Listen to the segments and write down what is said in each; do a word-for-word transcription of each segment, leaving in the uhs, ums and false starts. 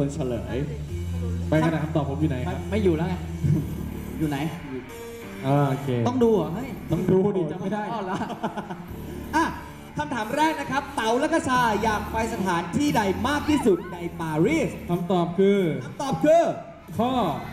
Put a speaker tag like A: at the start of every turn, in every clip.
A: เป็นเฉลยไปขนาดคำตอบผมอยู่ไหนครับ
B: ไม่อยู่แล้วไง อยู่ไหน
A: อ่าโอเค
B: ต้องดูเหรอเฮ้ย
A: ต้องดูดิจำไม่ได้
B: อ๋อเหรอ
C: อ่ะคำถามแรกนะครับ เต๋าและกระชาอยากไปสถานที่ใดมากที่สุดในปารีส
A: คำตอบคือ
C: คำตอบคือ
A: ข้อ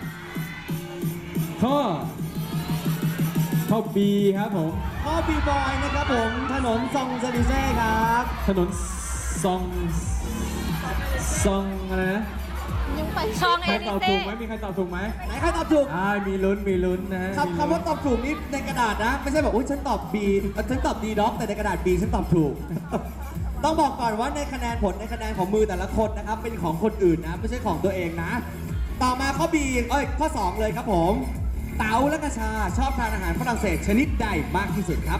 A: ข้อ ข้อ B ครับผม
C: ข้อบีบอยนะครับผมถนนซองเซลิเซ่ครับ
A: ถนนซอง ซองอะไรนะ
D: ยังไปช่อง
A: ใค
D: เอ
A: ร
D: ลิ
A: ตอบ
D: เซ่
A: ถูกไหมมีใครตอบถูกไหม
C: ไหนใครตอบถูก
A: อ่ามีลุ้น มีลุ้นนะฮะ
C: คำคำว่าตอบถูกนี่ในกระดาษนะ ไม่ใช่แบบอุ้ยฉันตอบ B เอ่อฉันตอบ D ด็อกแต่ในกระดาษ B ฉันตอบถูก ต้องบอกก่อนว่าในคะแนนผลในคะแนนของมือแต่ละคนนะครับเป็นของคนอื่นนะไม่ใช่ของตัวเองนะ ต่อมาข้อ B เอ้ยข้อ สอง เลยครับผม เต๋าและกระชาชอบทานอาหารฝรั่งเศสชนิดใดมากที่สุดครับ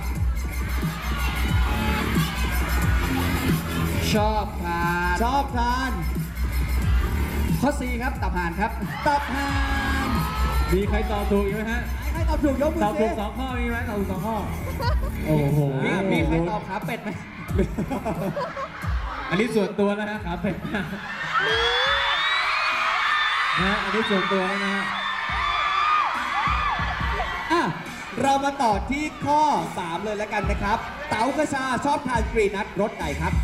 B: ชอบทาน
C: ชอบทาน
B: ข้อ C ครับตับห่านครับ
C: ตับห่าน
A: มีใครตอบถูกอีกไหมฮะ
C: ใครตอบถูกยกมือ
A: ตอบถู
C: สิ
A: กสองข้อมีไหมตอบถูกสองข้อ โอ้โห
B: มีมีใครตอบขาเป็ดไหม
A: อันนี้ส่วนตัวแล้วฮะขาเป็ดนะฮะอันนี้ส่วนตัวแล้วนะฮะ
C: อ่ะเรามาต่อที่ข้อ สาม เลยแล้วกันนะครับ เต๋ากระชาชอบทานกรีนัทรสไหนครับ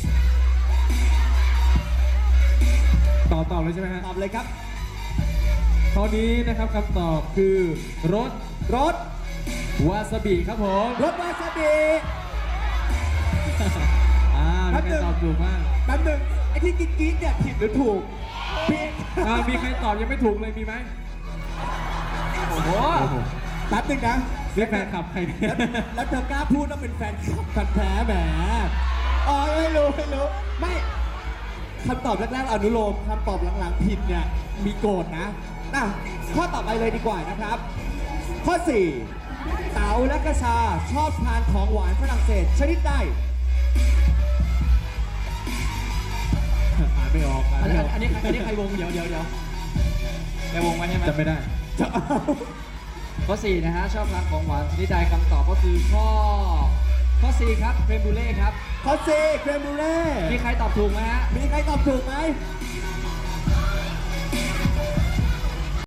A: ตอบตอบเลยใช่ไหมฮะ
C: ตอบเลยครับ
A: ข้อนี้นะครับคำตอบคือรส
C: รส
A: วาซาบิครับผม
C: รสวาซาบิ
A: อ่า
C: แป๊
A: มี
C: บ
A: ใคร
C: นึง
A: ตอบถูกบ้าง
C: แป๊บหนึงไอ้ที่กิ๊กกิ๊กเนี่ยผิดหรือถูกผิด
A: อ่ามีใครตอบยังไม่ถูกเลยมีไหม
B: โอ้โห
C: แป๊บหนึงนะ
A: นี่แฟนคลับใครเนี่ย
C: แล้วแล้วเธอกล้าพูดว่าเป็นแฟนคลับพันธุ์แท้แหมอ๋อไม่รู้ไม่รู้ไม่คำตอบแรกๆอนุโลมคำตอบหลังๆผิดเนี่ยมีโกรธนะอ่ะข้อต่อไปเลยดีกว่านะครับ ข้อ สี่ เต๋าและกระชาชอบทานของหวานฝรั่งเศสชนิดใด
A: อ่านไม่ออกอ่าน
B: อัน
A: ไม่
B: นี้
A: ออก
B: อันนี้อันนี้ใครวงเดี๋ยวเดี๋ยวเดี๋ยวแกวงไว้ใช่ไหม
A: จำไม่ได้
C: จะเอา
B: ข้อ สี่ นะฮะ ชอบทานของหวานชนิดใดคำตอบก็คือข้อ ข้อ สี่ ครับเครมบูเล่ครับ
C: ข้อ สี่ เครมบูเล่
B: มีใครตอบถูกไหมฮะ
C: มีใครตอบถูกไหม